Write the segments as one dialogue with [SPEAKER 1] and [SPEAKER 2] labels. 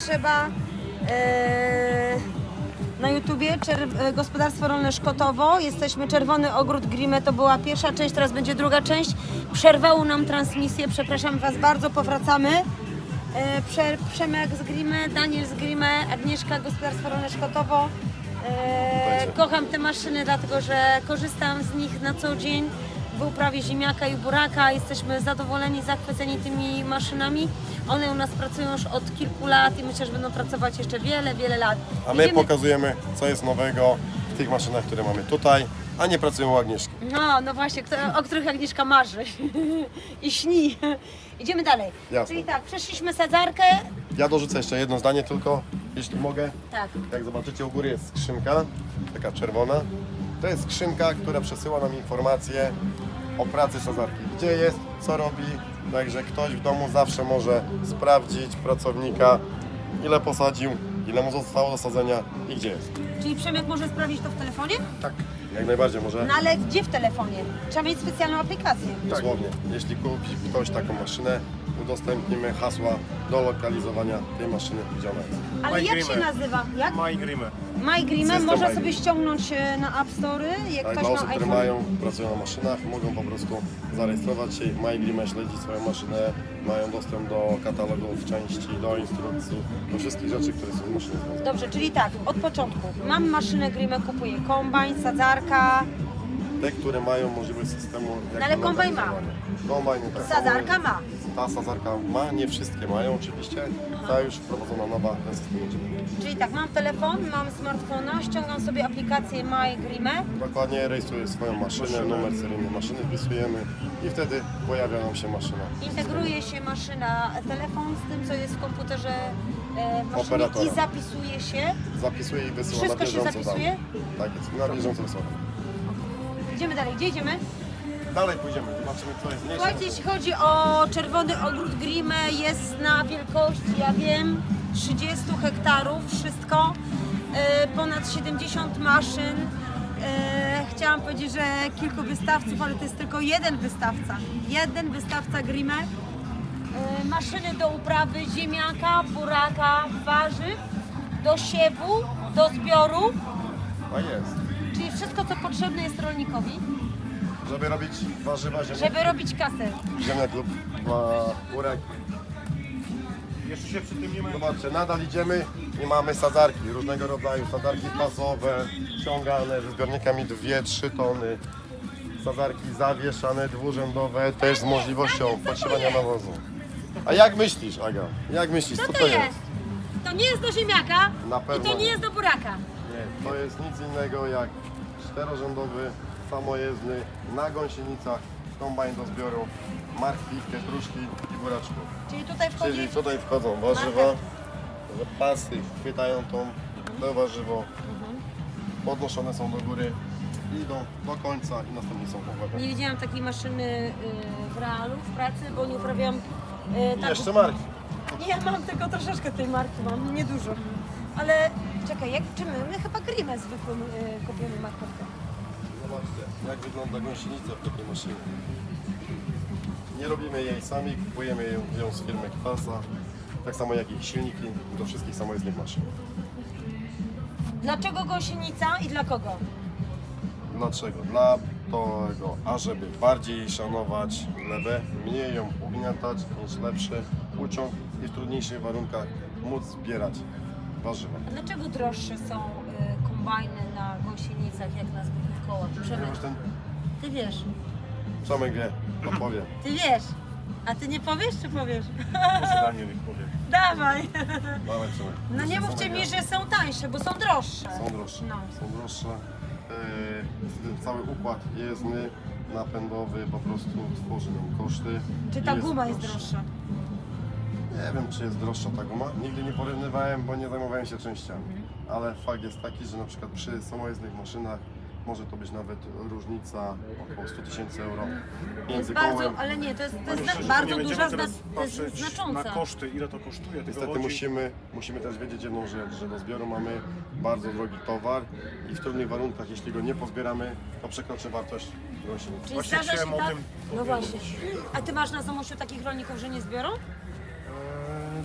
[SPEAKER 1] trzeba na YouTubie Gospodarstwo Rolne Szkotowo. Jesteśmy Czerwony Ogród Grimme, to była pierwsza część, teraz będzie druga część. Przerwało nam transmisję, przepraszam Was bardzo, powracamy. Przemek z Grimme, Daniel z Grimme, Agnieszka, Gospodarstwo Rolne Szkotowo. Kocham te maszyny, dlatego że korzystam z nich na co dzień w uprawie ziemniaka i buraka. Jesteśmy zadowoleni, zachwyceni tymi maszynami. One u nas pracują już od kilku lat i myślę, że będą pracować jeszcze wiele, wiele lat.
[SPEAKER 2] A my pokazujemy, co jest nowego w tych maszynach, które mamy tutaj, a nie pracują u Agnieszki.
[SPEAKER 1] No właśnie, o których Agnieszka marzy i śni. Idziemy dalej.
[SPEAKER 2] Jasne.
[SPEAKER 1] Czyli tak, przeszliśmy sadzarkę.
[SPEAKER 2] Ja dorzucę jeszcze jedno zdanie tylko, jeśli mogę.
[SPEAKER 1] Tak.
[SPEAKER 2] Jak zobaczycie, u góry jest skrzynka, taka czerwona. To jest skrzynka, która przesyła nam informacje o pracy sadzarki. Gdzie jest, co robi. Także ktoś w domu zawsze może sprawdzić pracownika, ile posadził, ile mu zostało do sadzenia i gdzie jest.
[SPEAKER 1] Czyli Przemek może sprawdzić to w telefonie?
[SPEAKER 2] Tak. Jak najbardziej może.
[SPEAKER 1] No ale gdzie w telefonie? Trzeba mieć specjalną aplikację.
[SPEAKER 2] Dosłownie. Jeśli kupi ktoś taką maszynę, udostępnimy hasła do lokalizowania tej maszyny, gdzie ona jest.
[SPEAKER 1] Ale jak się nazywa? Jak?
[SPEAKER 3] MyGrimme.
[SPEAKER 1] MyGrimme
[SPEAKER 2] System
[SPEAKER 1] można
[SPEAKER 2] My
[SPEAKER 1] sobie ściągnąć na App Store, jak
[SPEAKER 2] Tak,
[SPEAKER 1] ktoś
[SPEAKER 2] dla
[SPEAKER 1] ma
[SPEAKER 2] osób, które
[SPEAKER 1] iPhone.
[SPEAKER 2] pracują na maszynach, mogą po prostu zarejestrować się w MyGrimme, śledzić swoją maszynę, mają dostęp do katalogów części, do instrukcji, do wszystkich rzeczy, które są w maszynie związane.
[SPEAKER 1] Dobrze, czyli tak, od początku. Mam maszynę Grimme, kupuję kombajn, sadzarka,
[SPEAKER 2] Te, które mają możliwość systemu.
[SPEAKER 1] No ale kombajn ma.
[SPEAKER 2] Kombajn tak.
[SPEAKER 1] sadzarka ma.
[SPEAKER 2] Ta sadzarka ma, nie wszystkie mają oczywiście. Ta już wprowadzona nowa, ten system będzie.
[SPEAKER 1] Czyli tak, mam telefon, mam smartfona, ściągam sobie aplikację MyGrimme.
[SPEAKER 2] Dokładnie rejestruję swoją maszynę, numer seryjny maszyny wpisujemy i wtedy pojawia nam się maszyna.
[SPEAKER 1] Integruje się maszyna, telefon z tym, co jest w komputerze maszyny
[SPEAKER 2] Operatora.
[SPEAKER 1] i zapisuje się.
[SPEAKER 2] Zapisuję i wysyłam
[SPEAKER 1] Wszystko
[SPEAKER 2] na
[SPEAKER 1] się
[SPEAKER 2] bieżąco
[SPEAKER 1] zapisuje?
[SPEAKER 2] dane. Tak jest, na bieżąco wysyłam.
[SPEAKER 1] Idziemy dalej, gdzie idziemy?
[SPEAKER 2] Dalej pójdziemy, zobaczymy co jest mniejsze.
[SPEAKER 1] Słuchajcie, jeśli chodzi o Czerwony Ogród Grimme, jest na wielkości, ja wiem, 30 hektarów, wszystko, ponad 70 maszyn. Chciałam powiedzieć, że kilku wystawców, ale to jest tylko jeden wystawca Grimme. Maszyny do uprawy ziemniaka, buraka, warzyw, do siewu, do zbioru,
[SPEAKER 2] A jest.
[SPEAKER 1] czyli wszystko, co potrzebne jest rolnikowi,
[SPEAKER 2] Żeby robić warzywa,
[SPEAKER 1] żeby robić kasę.
[SPEAKER 2] ziemniak lub burek.
[SPEAKER 3] Jeszcze się przy tym nie ma.
[SPEAKER 2] Zobaczcie, nadal idziemy i mamy sadzarki, różnego rodzaju sadzarki pasowe, ciągane ze zbiornikami 2-3 tony. Sadzarki zawieszane, dwurzędowe, też z możliwością podszywania nawozu. A jak myślisz, Aga? Jak myślisz,
[SPEAKER 1] Co to jest? To nie jest do ziemniaka
[SPEAKER 2] Na
[SPEAKER 1] i
[SPEAKER 2] pewno
[SPEAKER 1] to nie jest do buraka.
[SPEAKER 2] Nie, to jest nic innego jak czterorzędowy, samojezdny, na gąsienicach, kombajn do zbioru, marchwi, pietruszki i buraczków.
[SPEAKER 1] Czyli tutaj wchodzi...
[SPEAKER 2] Czyli tutaj wchodzą warzywa, że pasy chwytają to warzywo, podnoszone są do góry, idą do końca i następnie są powrotem.
[SPEAKER 1] Nie widziałam takiej maszyny w realu, w pracy, bo nie uprawiałam... tak...
[SPEAKER 2] Jeszcze marchwi.
[SPEAKER 1] Nie, ja mam tylko troszeczkę tej marki, mam niedużo. Ale czekaj, czy my chyba Grimme zwykłym kupimy markowkę.
[SPEAKER 2] Zobaczcie, jak wygląda gąsienica w takiej maszynie. Nie robimy jej sami, kupujemy ją z firmy Kwasa, tak samo jak i silniki do wszystkich samojezdnych maszyn.
[SPEAKER 1] Dlaczego gąsienica i dla kogo?
[SPEAKER 2] Dlaczego? Dla tego, ażeby bardziej szanować glebę, mniej ją ugniatać, mieć lepszy uciąg i w trudniejszych warunkach móc zbierać warzywa.
[SPEAKER 1] A dlaczego droższe są kombajny na gąsienicach jak na zwykłych kołach? Przemek,
[SPEAKER 2] Ponieważ ten
[SPEAKER 1] ty wiesz.
[SPEAKER 2] Przemek wie, odpowie.
[SPEAKER 1] Ty wiesz. A ty nie powiesz, czy powiesz?
[SPEAKER 3] Może Daniel ich powie.
[SPEAKER 1] Dawaj.
[SPEAKER 2] Dawaj, Przemek.
[SPEAKER 1] No nie mówcie mi, że są tańsze, bo są droższe.
[SPEAKER 2] Są droższe.
[SPEAKER 1] No.
[SPEAKER 2] Są droższe. Cały układ jezdny, napędowy po prostu tworzy nam koszty.
[SPEAKER 1] Czy ta
[SPEAKER 2] I
[SPEAKER 1] guma jest
[SPEAKER 2] droższy.
[SPEAKER 1] droższa?
[SPEAKER 2] Nie wiem, czy jest droższa ta guma. Nigdy nie porównywałem, bo nie zajmowałem się częściami. Ale fakt jest taki, że na przykład przy samojezdnych maszynach może to być nawet różnica około 100 000 euro
[SPEAKER 1] Jest
[SPEAKER 2] między
[SPEAKER 1] bardzo,
[SPEAKER 2] kołem.
[SPEAKER 1] ale nie, to jest
[SPEAKER 3] Myślę, że
[SPEAKER 1] bardzo
[SPEAKER 3] nie będziemy
[SPEAKER 1] duża,
[SPEAKER 3] teraz
[SPEAKER 1] to jest
[SPEAKER 3] patrzeć
[SPEAKER 1] znacząca.
[SPEAKER 3] na koszty, ile to kosztuje. tylko
[SPEAKER 2] Niestety
[SPEAKER 3] chodzi-
[SPEAKER 2] musimy też wiedzieć jedną rzecz, że do zbioru mamy bardzo drogi towar i w trudnych warunkach, jeśli go nie pozbieramy, to przekroczy wartość gąsienicy.
[SPEAKER 1] Czyli
[SPEAKER 3] Właśnie
[SPEAKER 1] zdarza się
[SPEAKER 3] chciałem o
[SPEAKER 1] tak?
[SPEAKER 3] tym
[SPEAKER 1] No
[SPEAKER 3] powiedzieć.
[SPEAKER 1] właśnie. A ty masz na Zamościu takich rolników, że nie zbiorą?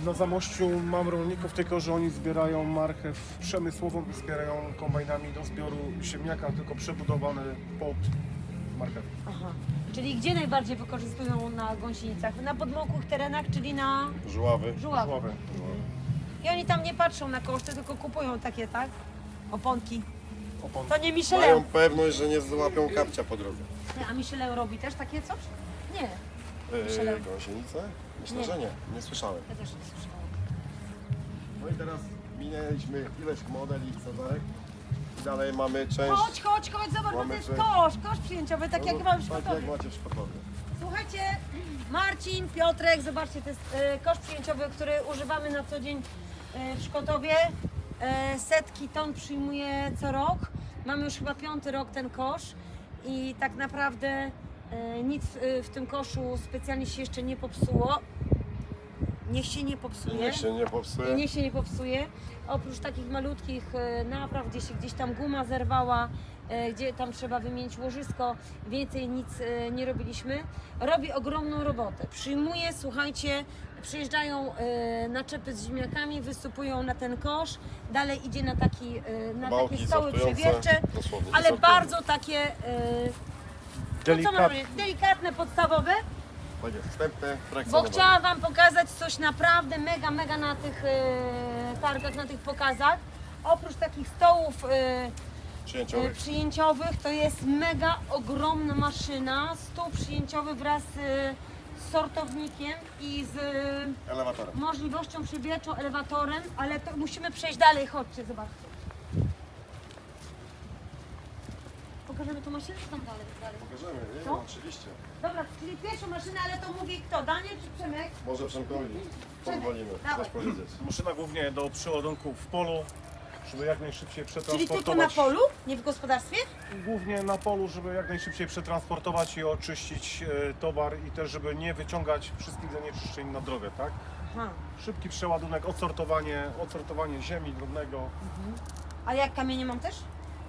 [SPEAKER 3] Na Zamościu mam rolników, tylko że oni zbierają marchew przemysłową i zbierają kombajnami do zbioru ziemniaka, tylko przebudowany pod marchew.
[SPEAKER 1] Aha. Czyli gdzie najbardziej wykorzystują na gąsienicach? Na podmokłych terenach, czyli na
[SPEAKER 2] Żuławy.
[SPEAKER 1] żuławach.
[SPEAKER 3] Żuławy.
[SPEAKER 1] I oni tam nie patrzą na koszty, tylko kupują takie, tak? Oponki.
[SPEAKER 3] Opon.
[SPEAKER 1] To nie Michelin.
[SPEAKER 2] Mają pewność, że nie złapią kapcia po drodze.
[SPEAKER 1] Nie, a Michelin robi też takie coś? Nie. Michelin.
[SPEAKER 2] Gąsienice? Myślę,
[SPEAKER 1] Nie.
[SPEAKER 2] że nie. Nie słyszałem.
[SPEAKER 1] Ja też nie słyszałam.
[SPEAKER 2] No i teraz minęliśmy ileś modeli i sadzarek. I dalej mamy część...
[SPEAKER 1] Chodź, zobacz, bo to
[SPEAKER 2] Mamy
[SPEAKER 1] jest
[SPEAKER 2] część-
[SPEAKER 1] kosz przyjęciowy, tak jak
[SPEAKER 2] no,
[SPEAKER 1] mam w
[SPEAKER 2] tak
[SPEAKER 1] Szkotowie.
[SPEAKER 2] jak macie w Szkotowie.
[SPEAKER 1] Słuchajcie, Marcin, Piotrek, zobaczcie, to jest kosz przyjęciowy, który używamy na co dzień w Szkotowie. Setki ton przyjmuje co rok. Mamy już chyba 5. rok ten kosz i tak naprawdę nic w tym koszu specjalnie się jeszcze nie popsuło. Niech się nie popsuje.
[SPEAKER 2] Niech się nie popsuje.
[SPEAKER 1] I niech się nie popsuje. Oprócz takich malutkich napraw, gdzie się gdzieś tam guma zerwała, gdzie tam trzeba wymienić łożysko, więcej nic nie robiliśmy. Robi ogromną robotę. Przyjmuje, słuchajcie, przyjeżdżają naczepy z ziemniakami, wysypują na ten kosz, dalej idzie na na
[SPEAKER 2] Bałki
[SPEAKER 1] takie stoły
[SPEAKER 2] sortujące,
[SPEAKER 1] przewiercze,
[SPEAKER 2] dosłownie,
[SPEAKER 1] ale
[SPEAKER 2] sortują.
[SPEAKER 1] bardzo takie no co mam powiedzieć, delikatne, podstawowe.
[SPEAKER 2] Tak jest, wstępne,
[SPEAKER 1] Bo
[SPEAKER 2] frakcjonowane.
[SPEAKER 1] chciałam Wam pokazać coś naprawdę mega na tych targach, na tych pokazach. Oprócz takich stołów
[SPEAKER 2] Przyjęciowych.
[SPEAKER 1] przyjęciowych, to jest mega ogromna maszyna. Stół przyjęciowy wraz z sortownikiem i z
[SPEAKER 2] Elewatorem.
[SPEAKER 1] możliwością przybierczą, elewatorem, ale to musimy przejść dalej, chodźcie, zobaczcie. Pokażemy tą maszynę, czy tam dalej?
[SPEAKER 2] Pokażemy, nie?
[SPEAKER 1] Co?
[SPEAKER 2] No, oczywiście.
[SPEAKER 1] Dobra, czyli pierwszą maszynę, ale to mówi kto? Daniel czy Przemek?
[SPEAKER 2] Może Przemkowi pozwolimy
[SPEAKER 1] Dawaj.
[SPEAKER 2] coś powiedzieć.
[SPEAKER 3] Maszyna głównie do przeładunku w polu, żeby jak najszybciej
[SPEAKER 1] Czyli
[SPEAKER 3] przetransportować.
[SPEAKER 1] tylko na polu, nie w gospodarstwie?
[SPEAKER 3] Głównie na polu, żeby jak najszybciej przetransportować i oczyścić towar i też, żeby nie wyciągać wszystkich zanieczyszczeń na drogę, tak?
[SPEAKER 1] Aha.
[SPEAKER 3] Szybki przeładunek, odsortowanie ziemi, drobnego.
[SPEAKER 1] A jak kamienie mam też?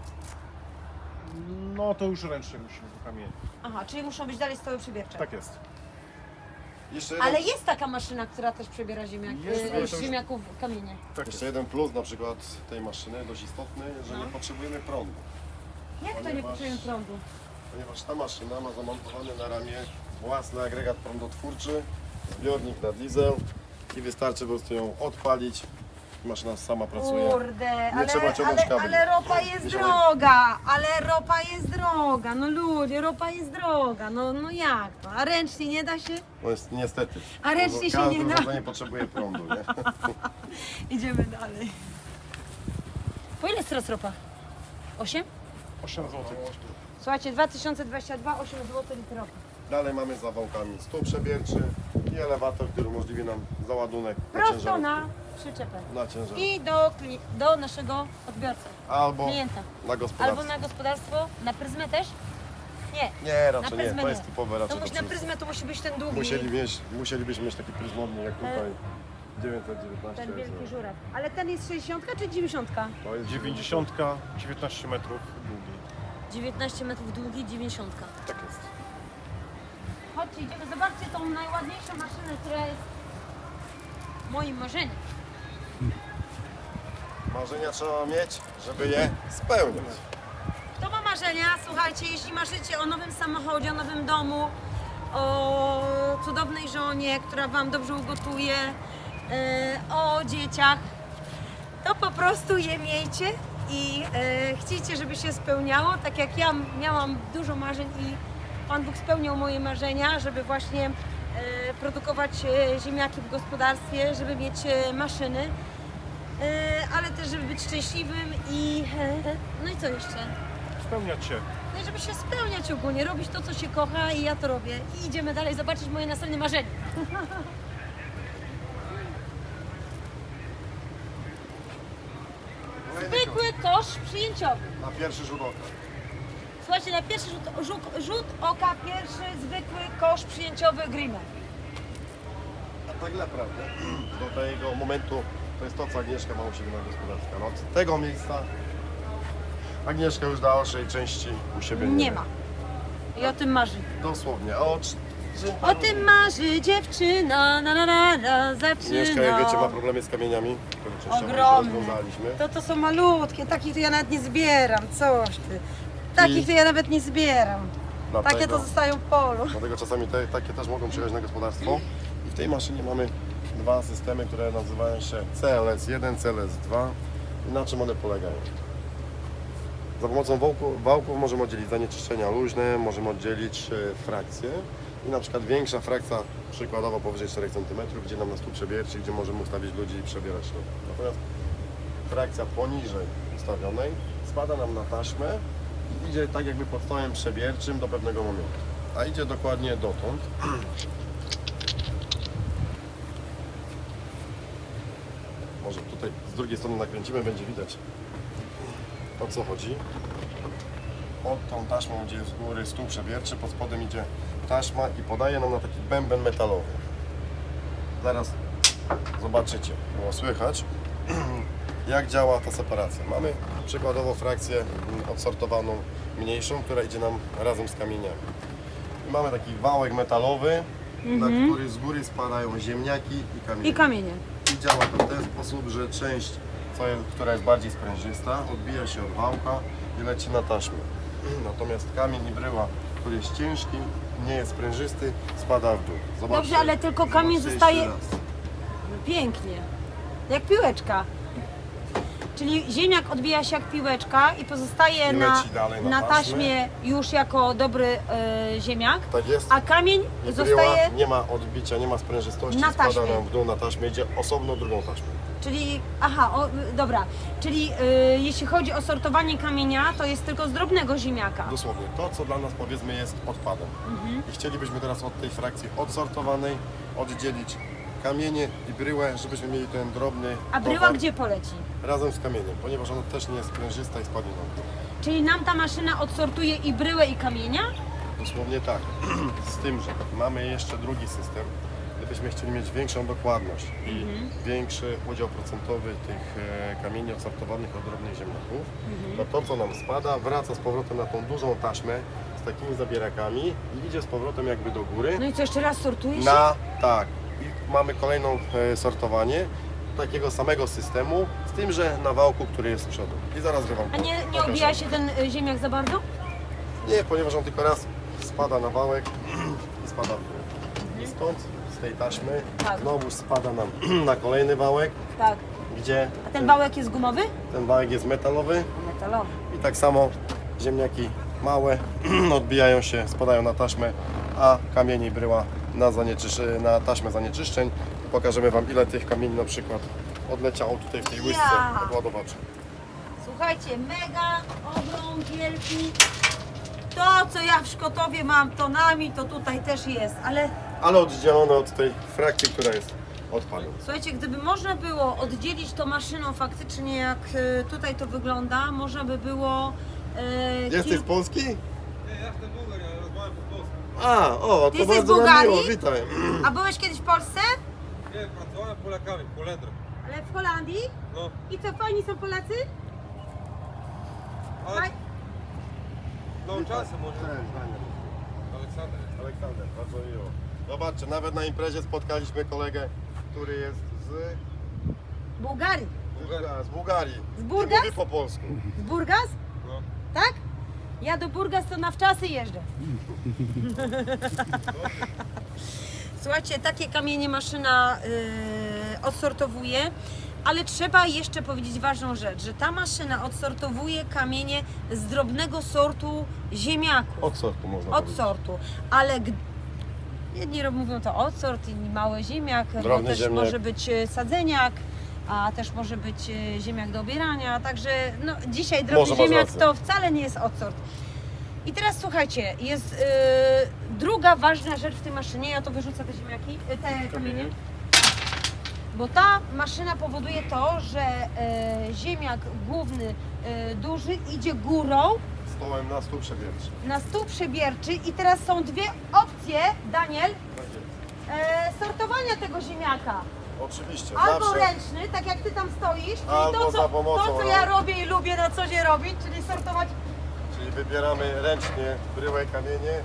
[SPEAKER 3] No to już ręcznie musimy do kamieni.
[SPEAKER 1] Aha, czyli muszą być dalej stoły przybiercze.
[SPEAKER 3] Tak jest.
[SPEAKER 2] Jeszcze jeden,
[SPEAKER 1] Ale jest taka maszyna, która też przebiera
[SPEAKER 3] Jest, ale to
[SPEAKER 1] z
[SPEAKER 3] już-
[SPEAKER 1] ziemniaków kamienie.
[SPEAKER 3] Tak
[SPEAKER 2] jeszcze
[SPEAKER 3] jest.
[SPEAKER 2] jeden plus na przykład tej maszyny, dość istotny, że
[SPEAKER 1] No.
[SPEAKER 2] nie potrzebujemy prądu.
[SPEAKER 1] Jak to nie
[SPEAKER 2] Ponieważ-
[SPEAKER 1] potrzebujemy prądu?
[SPEAKER 2] Ponieważ ta maszyna ma zamontowany na ramię własny agregat prądotwórczy, zbiornik na diesel i wystarczy po prostu ją odpalić. Maszyna sama pracuje.
[SPEAKER 1] Kurde,
[SPEAKER 2] trzeba ciągnąć kabli.
[SPEAKER 1] ale ropa jest
[SPEAKER 2] Nie
[SPEAKER 1] droga, no ludzie, ropa jest droga, no jak to? A ręcznie nie da się?
[SPEAKER 2] No jest niestety.
[SPEAKER 1] A ręcznie się
[SPEAKER 2] Każde
[SPEAKER 1] nie da.
[SPEAKER 2] urządzenie potrzebuje prądu, nie?
[SPEAKER 1] Idziemy dalej. Po ile jest teraz ropa? 8?
[SPEAKER 3] 8 zł.
[SPEAKER 1] Słuchajcie, 2022, 8 zł litr ropy.
[SPEAKER 2] Dalej mamy za wałkami stół przebierczy i elewator, który umożliwi nam załadunek na
[SPEAKER 1] Prosto
[SPEAKER 2] ciężarówkę.
[SPEAKER 1] na przyczepę.
[SPEAKER 2] Na ciężarówkę.
[SPEAKER 1] I do naszego odbiorcy,
[SPEAKER 2] Albo
[SPEAKER 1] klienta.
[SPEAKER 2] na gospodarstwo.
[SPEAKER 1] Albo na gospodarstwo, na pryzmę też? Nie,
[SPEAKER 2] Nie,
[SPEAKER 1] na
[SPEAKER 2] raczej nie.
[SPEAKER 1] pryzmę
[SPEAKER 2] To
[SPEAKER 1] nie.
[SPEAKER 2] jest typowe
[SPEAKER 1] To
[SPEAKER 2] raczej.
[SPEAKER 1] musi,
[SPEAKER 2] do
[SPEAKER 1] na pryzmę to musi być ten długi,
[SPEAKER 2] Musielibyśmy mieć taki pryzmownik jak tutaj. 919
[SPEAKER 1] ten wielki
[SPEAKER 2] jest.
[SPEAKER 1] żuraw. Ale ten jest 60 czy 90?
[SPEAKER 2] To jest
[SPEAKER 3] 90, 19 metrów długi.
[SPEAKER 1] 19 metrów długi, 90.
[SPEAKER 2] Tak jest.
[SPEAKER 1] Chodźcie, idziemy, zobaczcie tą najładniejszą maszynę, która jest moim marzeniem.
[SPEAKER 2] Marzenia trzeba mieć, żeby je spełniać.
[SPEAKER 1] Kto ma marzenia? Słuchajcie, jeśli marzycie o nowym samochodzie, o nowym domu, o cudownej żonie, która Wam dobrze ugotuje, o dzieciach, to po prostu je miejcie i chcicie, żeby się spełniało. Tak jak ja miałam dużo marzeń i Pan Bóg spełniał moje marzenia, żeby właśnie produkować ziemniaki w gospodarstwie, żeby mieć maszyny, ale też żeby być szczęśliwym i no i co jeszcze?
[SPEAKER 3] Spełniać się.
[SPEAKER 1] No i żeby się spełniać ogólnie, robić to, co się kocha i ja to robię. I idziemy dalej zobaczyć moje następne marzenie. Zwykły kosz przyjęciowy.
[SPEAKER 2] Na pierwszy rzut oka.
[SPEAKER 1] Słuchajcie, na pierwszy rzut oka, pierwszy zwykły kosz przyjęciowy Grimme.
[SPEAKER 2] A tak naprawdę do tego momentu to jest to, co Agnieszka ma u siebie na gospodarstwie. No, od tego miejsca Agnieszka już dalszej części u siebie
[SPEAKER 1] Nie ma. I o tym marzy.
[SPEAKER 2] Dosłownie. A od
[SPEAKER 1] O tym marzy dziewczyna, zaczyna.
[SPEAKER 2] Mieszka, jak wiecie, ma problemy z kamieniami, które częściowo już
[SPEAKER 1] Ogromne.
[SPEAKER 2] rozwiązaliśmy.
[SPEAKER 1] To są malutkie, takich to ja nawet nie zbieram, coś ty. Takich to ja nawet nie zbieram.
[SPEAKER 2] Dlatego-
[SPEAKER 1] Takie to zostają w polu.
[SPEAKER 2] Dlatego czasami takie też mogą przyjechać na gospodarstwo. I w tej maszynie mamy dwa systemy, które nazywają się CLS1, CLS2. I na czym one polegają? Za pomocą wałków możemy oddzielić zanieczyszczenia luźne, możemy oddzielić frakcje. I na przykład większa frakcja, przykładowo powyżej 4 cm, gdzie nam na stół przebierczy, gdzie możemy ustawić ludzi i przebierać ślub. Natomiast frakcja poniżej ustawionej spada nam na taśmę i idzie tak jakby pod stołem przebierczym do pewnego momentu. A idzie dokładnie dotąd. Może tutaj z drugiej strony nakręcimy, będzie widać, o co chodzi. Pod tą taśmą, gdzie jest z góry stół przebierczy, pod spodem idzie taśma i podaje nam na taki bęben metalowy. Zaraz zobaczycie, było słychać, jak działa ta separacja. Mamy przykładowo frakcję odsortowaną mniejszą, która idzie nam razem z kamieniami. I mamy taki wałek metalowy, na który z góry spadają ziemniaki i kamienie.
[SPEAKER 1] I kamienie.
[SPEAKER 2] I działa to w ten sposób, że część, która jest bardziej sprężysta, odbija się od wałka i leci na taśmę. Natomiast kamień i bryła, który jest ciężki, nie jest sprężysty, spada w dół. Zobaczcie,
[SPEAKER 1] Dobrze, ale tylko kamień
[SPEAKER 2] zobaczcie
[SPEAKER 1] zostaje-
[SPEAKER 2] jeszcze raz.
[SPEAKER 1] Pięknie. Jak piłeczka. Czyli ziemniak odbija się jak piłeczka i pozostaje
[SPEAKER 2] I
[SPEAKER 1] na,
[SPEAKER 2] leci dalej na
[SPEAKER 1] na
[SPEAKER 2] taśmę.
[SPEAKER 1] taśmie już jako dobry ziemniak,
[SPEAKER 2] Tak jest.
[SPEAKER 1] a kamień
[SPEAKER 2] I
[SPEAKER 1] zostaje,
[SPEAKER 2] bryła, nie ma odbicia, nie ma sprężystości,
[SPEAKER 1] na
[SPEAKER 2] spada
[SPEAKER 1] taśmie.
[SPEAKER 2] nam w dół na taśmę, idzie osobno drugą taśmą.
[SPEAKER 1] czyli, dobra, czyli jeśli chodzi o sortowanie kamienia, to jest tylko z drobnego ziemniaka.
[SPEAKER 2] Dosłownie, to co dla nas powiedzmy jest odpadem. I chcielibyśmy teraz od tej frakcji odsortowanej oddzielić kamienie i bryłę, żebyśmy mieli ten drobny
[SPEAKER 1] A bryła
[SPEAKER 2] towar
[SPEAKER 1] gdzie poleci?
[SPEAKER 2] razem z kamieniem, ponieważ ona też nie jest sprężysta i spadnie nam w dół.
[SPEAKER 1] Czyli nam ta maszyna odsortuje i bryłę i kamienia?
[SPEAKER 2] Dosłownie tak. Z tym, że mamy jeszcze drugi system. Gdybyśmy chcieli mieć większą dokładność i większy udział procentowy tych kamieni odsortowanych od drobnych ziemniaków, to co nam spada wraca z powrotem na tą dużą taśmę z takimi zabierakami i idzie z powrotem jakby do góry.
[SPEAKER 1] No i co, jeszcze raz sortuje się?
[SPEAKER 2] Tak. I mamy kolejną sortowanie takiego samego systemu, z tym, że na wałku, który jest z przodu. I zaraz Wam
[SPEAKER 1] A nie
[SPEAKER 2] pokażę.
[SPEAKER 1] obija się ten ziemniak za bardzo?
[SPEAKER 2] Nie, ponieważ on tylko raz spada na wałek i spada w dół. I stąd, z tej taśmy,
[SPEAKER 1] Tak.
[SPEAKER 2] znowu spada nam na kolejny wałek,
[SPEAKER 1] Tak.
[SPEAKER 2] gdzie
[SPEAKER 1] A ten wałek jest gumowy?
[SPEAKER 2] ten wałek jest metalowy
[SPEAKER 1] Metalowy.
[SPEAKER 2] i tak samo ziemniaki małe odbijają się, spadają na taśmę, a kamienie i bryła na taśmę zanieczyszczeń. Pokażemy Wam, ile tych kamieni na przykład odleciało tutaj w tej łyżce
[SPEAKER 1] Ja.
[SPEAKER 2] odładowaczej.
[SPEAKER 1] Słuchajcie, mega, ogrom wielki. To, co ja w Szkotowie mam tonami, to tutaj też jest, ale
[SPEAKER 2] Ale oddzielone od tej frakcji, która jest odpadem.
[SPEAKER 1] słuchajcie, gdyby można było oddzielić to maszyną faktycznie, jak tutaj to wygląda, można by było...
[SPEAKER 2] Jesteś z Polski?
[SPEAKER 4] Nie, ja jestem Bułgar, ja rozmawiam po polsku.
[SPEAKER 1] Ty
[SPEAKER 2] To
[SPEAKER 1] jesteś z
[SPEAKER 2] bardzo nam
[SPEAKER 1] Bułgarii?
[SPEAKER 2] miło, witaj.
[SPEAKER 1] A byłeś kiedyś w Polsce?
[SPEAKER 4] Nie, pracowałem Polakami, Polendrem.
[SPEAKER 1] Ale w Holandii?
[SPEAKER 4] No,
[SPEAKER 1] I co, fajni są Polacy?
[SPEAKER 4] ale
[SPEAKER 1] Faj...
[SPEAKER 4] no czasem może.
[SPEAKER 2] Cześć, Daniel.
[SPEAKER 4] Aleksander.
[SPEAKER 2] Aleksander, bardzo miło. Zobaczcie, nawet na imprezie spotkaliśmy kolegę, który jest
[SPEAKER 1] Bułgarii.
[SPEAKER 2] z Bułgarii.
[SPEAKER 1] Z Burgas?
[SPEAKER 2] I mówi po polsku.
[SPEAKER 1] Z Burgas?
[SPEAKER 4] No.
[SPEAKER 1] Tak? Ja do Burgas to na wczasy jeżdżę. Słuchajcie, takie kamienie maszyna odsortowuje, ale trzeba jeszcze powiedzieć ważną rzecz, że ta maszyna odsortowuje kamienie z drobnego sortu ziemniaków.
[SPEAKER 2] Od sortu można
[SPEAKER 1] Od
[SPEAKER 2] powiedzieć.
[SPEAKER 1] sortu, ale jedni mówią to odsort, inni mały ziemniak, bo
[SPEAKER 2] Drobny
[SPEAKER 1] też
[SPEAKER 2] ziemniak.
[SPEAKER 1] może być sadzeniak, a też może być ziemniak do obierania, także no, dzisiaj drobny
[SPEAKER 2] Może masz
[SPEAKER 1] ziemniak
[SPEAKER 2] rację.
[SPEAKER 1] to wcale nie jest odsort. I teraz słuchajcie, jest druga ważna rzecz w tej maszynie, ja to wyrzucę te ziemniaki, te kamienie, bo ta maszyna powoduje to, że ziemniak główny, duży idzie górą
[SPEAKER 2] Stołem na stół przebierczy.
[SPEAKER 1] na stół przebierczy i teraz są dwie opcje, Daniel,
[SPEAKER 2] Tak jest.
[SPEAKER 1] sortowania tego ziemniaka.
[SPEAKER 2] Oczywiście,
[SPEAKER 1] Albo
[SPEAKER 2] zawsze.
[SPEAKER 1] ręczny, tak jak ty tam stoisz, czyli
[SPEAKER 2] Albo
[SPEAKER 1] to,
[SPEAKER 2] za
[SPEAKER 1] co,
[SPEAKER 2] pomocą
[SPEAKER 1] to, co ja robię i lubię na co dzień robić, czyli sortować.
[SPEAKER 2] Czyli wybieramy ręcznie bryłę, kamienie i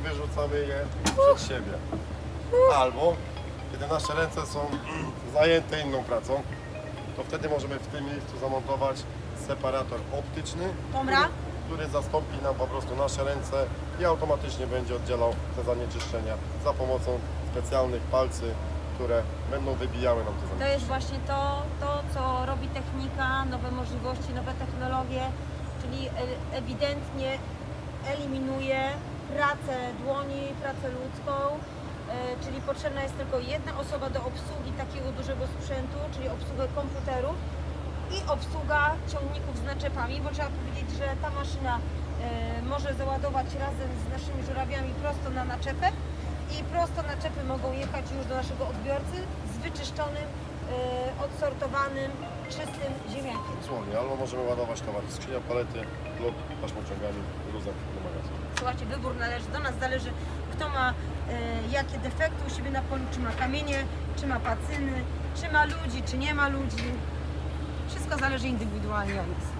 [SPEAKER 2] wyrzucamy je przed siebie. Albo kiedy nasze ręce są zajęte inną pracą, to wtedy możemy w tym miejscu zamontować separator optyczny,
[SPEAKER 1] Dobra.
[SPEAKER 2] który zastąpi nam po prostu nasze ręce i automatycznie będzie oddzielał te zanieczyszczenia za pomocą specjalnych palcy, które będą wybijały nam te
[SPEAKER 1] To
[SPEAKER 2] zanieczyszczenia.
[SPEAKER 1] jest właśnie to, co robi technika, nowe możliwości, nowe technologie, czyli ewidentnie eliminuje pracę dłoni, pracę ludzką, czyli potrzebna jest tylko jedna osoba do obsługi takiego dużego sprzętu, czyli obsługę komputerów i obsługa ciągników z naczepami, bo trzeba powiedzieć, że ta maszyna może załadować razem z naszymi żurawiami prosto na naczepę i prosto naczepy mogą jechać już do naszego odbiorcy z wyczyszczonym, odsortowanym, czystym ziemniakiem.
[SPEAKER 2] Dosłownie, albo możemy ładować towar w skrzynia, palety lub taśmociągami, luzem do magazynu.
[SPEAKER 1] Słuchajcie, wybór należy do nas, zależy kto ma jakie defekty u siebie na polu, czy ma kamienie, czy ma pacyny, czy ma ludzi, czy nie ma ludzi. Wszystko zależy indywidualnie od nas.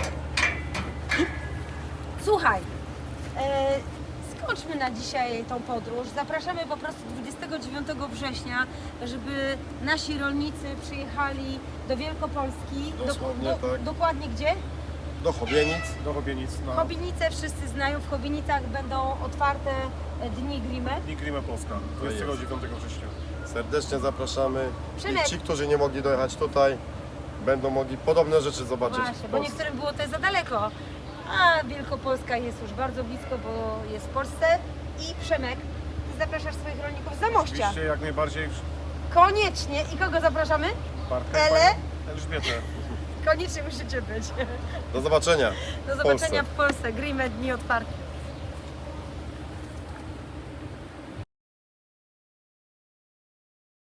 [SPEAKER 1] Słuchaj, skończmy na dzisiaj tą podróż. Zapraszamy po prostu 29 września, żeby nasi rolnicy przyjechali do Wielkopolski.
[SPEAKER 2] Dosłownie tak.
[SPEAKER 1] Dokładnie gdzie?
[SPEAKER 2] Do Chobienic.
[SPEAKER 3] Do Chobienic na
[SPEAKER 1] Chobienice wszyscy znają, w Chobienicach będą otwarte dni Grimy.
[SPEAKER 3] Dni Grimy Polska, 29 września.
[SPEAKER 2] Serdecznie zapraszamy.
[SPEAKER 1] Przemek.
[SPEAKER 2] I ci, którzy nie mogli dojechać tutaj, będą mogli podobne rzeczy zobaczyć
[SPEAKER 1] Właśnie,
[SPEAKER 2] w
[SPEAKER 1] bo
[SPEAKER 2] Polsce.
[SPEAKER 1] niektórym było to za daleko, a Wielkopolska jest już bardzo blisko, bo jest w Polsce. I Przemek, ty zapraszasz swoich rolników z Zamościa.
[SPEAKER 3] Oczywiście jak najbardziej
[SPEAKER 1] Koniecznie. I kogo zapraszamy?
[SPEAKER 3] Bartek,
[SPEAKER 1] Ele?
[SPEAKER 3] panią Elżbietę.
[SPEAKER 1] Koniecznie musicie być.
[SPEAKER 2] Do zobaczenia.
[SPEAKER 1] Do zobaczenia w Polsce. Grimy dni otwarte.